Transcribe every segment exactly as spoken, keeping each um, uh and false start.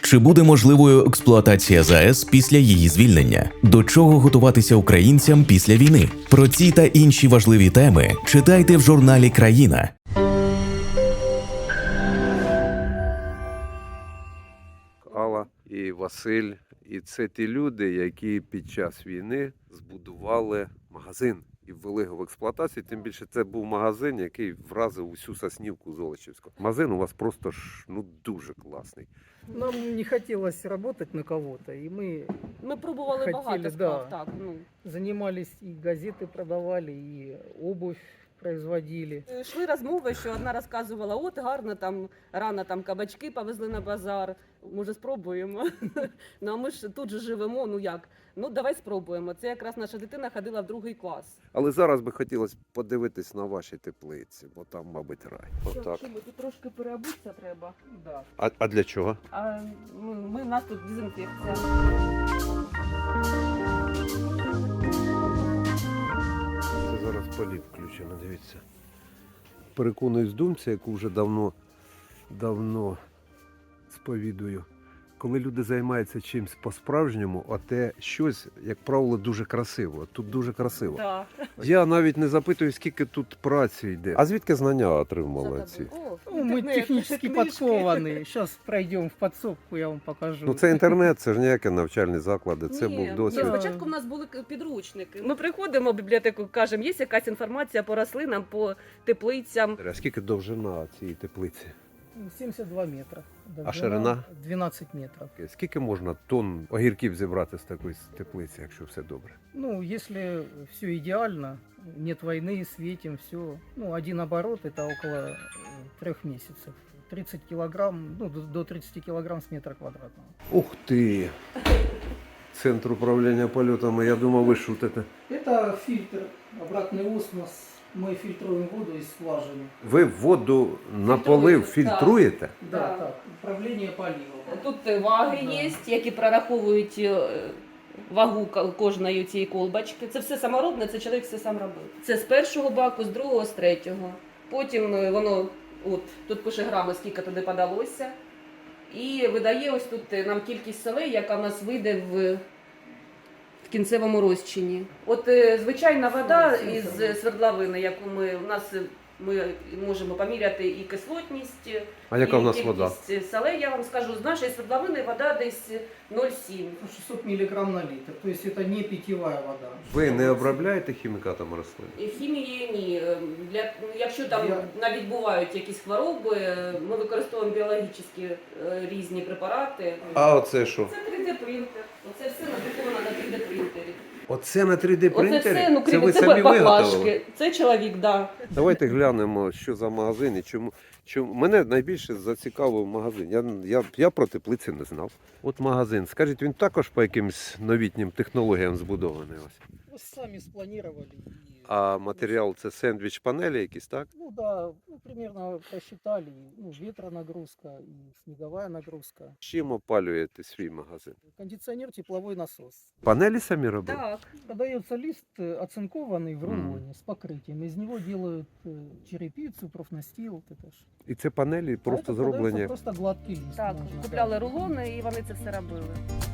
Чи буде можливою експлуатація ЗАЕС після її звільнення? До чого готуватися українцям після війни? Про ці та інші важливі теми читайте в журналі «Країна». Алла і Василь. І це ті люди, які під час війни збудували магазин і ввели його в експлуатацію. Тим більше це був магазин, який вразив усю Соснівку Золочівську. Магазин у вас просто ж ну дуже класний. Нам не хотелось работать на кого-то, и мы Ми пробували Хотіли, багато справ, да. так. Ну. занимались, и газеты продавали, и обувь производили. Йшли розмови, що одна розказувала, от гарно там, рано там кабачки повезли на базар, може спробуємо. Ну а ми ж тут же живемо, ну як? Ну давай спробуємо. Це якраз наша дитина ходила в другий клас. Але зараз би хотілося подивитись на ваші теплиці, бо там, мабуть, рай. Отак. Що, тут трошки переобуться треба. Да. А, а для чого? А ми, ми, у нас тут дезінфекція. Це зараз полів включено, дивіться. Переконуюсь думці, яку вже давно, давно сповідую. Коли люди займаються чимось по-справжньому, а те щось, як правило, дуже красиво. Тут дуже красиво. Да. Я навіть не запитую, скільки тут праці йде. А звідки знання отримали ці? О, Ну, мы інтернет, технически книжки. подкованы. Сейчас пройдем в подсобку, я вам покажу. Ну це інтернет, це ж ніякі навчальні заклади, це Ні, був ні, досвід. Да. спочатку в нас були к- підручники. Ми приходимо в бібліотеку, кажемо, є якась інформація по рослинам, по теплицям. А скільки довжина цієї теплиці? семьдесят два метра. А ширина? двенадцать метров. Скільки можна тонн огірків зібрати з такої теплиці, якщо все добре? Ну, если все идеально, нет войны, светим, все. Ну, один оборот это около э, трех месяцев. тридцать килограмм, ну, до- до тридцати килограмм с метра квадратного. Ух ти! Центр управління польотами, я думав, ви шутите. Это фильтр, обратный осмос. Мы фильтруем воду из скважины. Ви воду на полив фільтруєте? Да, Да. так, управление поливом. Тут ваги Да. є, які прораховують е, вагу ка- кожної цієї колбочки. Це все саморобне, це чоловік все сам робив. Це з першого баку, з другого, з третього. Потім е, воно, от, тут пише грами, скільки туди подалося. І видає ось тут е, нам кількість солей, яка в нас вийде в, в кінцевому розчині. От е, звичайна вода із свердловини, яку ми, у нас е, ми можемо поміряти і кислотність, А яка і в нас вода? кількість солей, я вам скажу, з нашої свердловини вода десь нуль цілих сім. шестьсот миллиграмм на литр, то есть это не питьевая вода. Ви не обробляєте хімікатами рослин? І хімії ні. Для, якщо там Я- навіть бувають якісь хвороби, ми використовуємо біологічні е, різні препарати. А оце що? Це три дэ принтер. Оце все надруковано на три дэ принтері. Оце на три дэ Оце принтері? все, ну це крім ви це самі баклажки. виготовили? Це чоловік, да. Давайте глянемо, що за магазин і чому. Чому мене найбільше зацікавив магазин. Я, я, я про теплиці не знав. От магазин. Скажіть, він також по якимсь новітнім технологіям збудований ось. Мы сами спланировали. и- А матеріал це сендвіч панелі якісь, так? Ну да, ну, примерно просчитали. Ну, ветронагрузка и снеговая нагрузка. Чим опалюєте свій магазин? Кондиционер, тепловой насос. Панелі самі робили? Так. Подается лист э, оцинкованный в Мгм. рулоне с покрытием. Из него делают э, черепицу, профнастил. Вот это ж. І це панелі А просто это подается зроблені. Просто гладкий лист. Так, можно, купляли да. рулони і вони це все робили.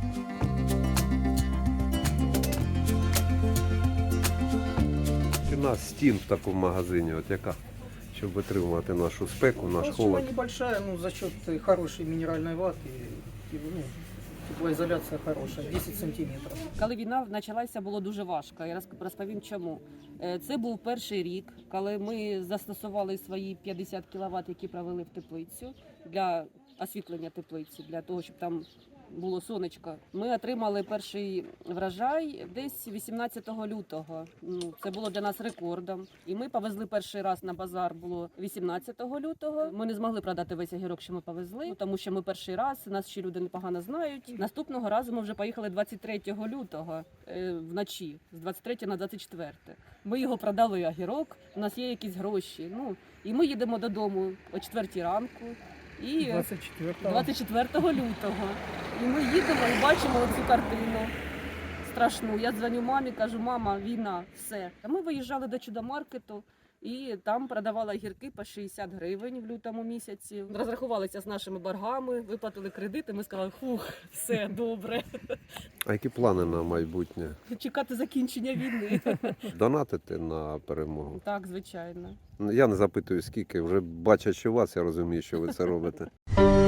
Ціна стін в такому магазині, от яка? Щоб витримувати нашу спеку, наш Толщина холод. небольшая, ну, за счет э, хорошей минеральной ваты, и, ну, теплоизоляция хорошая, десять сантиметров. Коли війна почалася, було дуже важко. Я розк- розповім чому. Е, Це був перший рік, коли ми застосували свої п'ятдесят кіловат, які провели в теплицю для освітлення теплиці, для того, щоб там було сонечко. Ми отримали перший врожай десь вісімнадцятого лютого. Ну, це було для нас рекордом. І ми повезли перший раз на базар, було вісімнадцятого лютого. Ми не змогли продати весь огірок, що ми повезли, тому що ми перший раз, нас ще люди непогано знають. Наступного разу ми вже поїхали двадцять третього лютого е, вночі, з двадцять третього на двадцять четверте. Ми його продали огірок, у нас є якісь гроші. Ну, і ми їдемо додому о четвертій ранку. І двадцать четвёртого. двадцять четвертого лютого. І ми їдемо і бачимо цю картину страшну. Я дзвоню мамі, кажу, мама, війна, все. А ми виїжджали до чудомаркету, І там продавала гірки по шістдесят гривень в лютому місяці. Розрахувалися з нашими боргами, виплатили кредити. Ми сказали, фух, все добре. А які плани на майбутнє? Чекати закінчення війни. Донатити на перемогу? Так, звичайно. Я не запитую скільки, вже бачачи вас, я розумію, що ви це робите.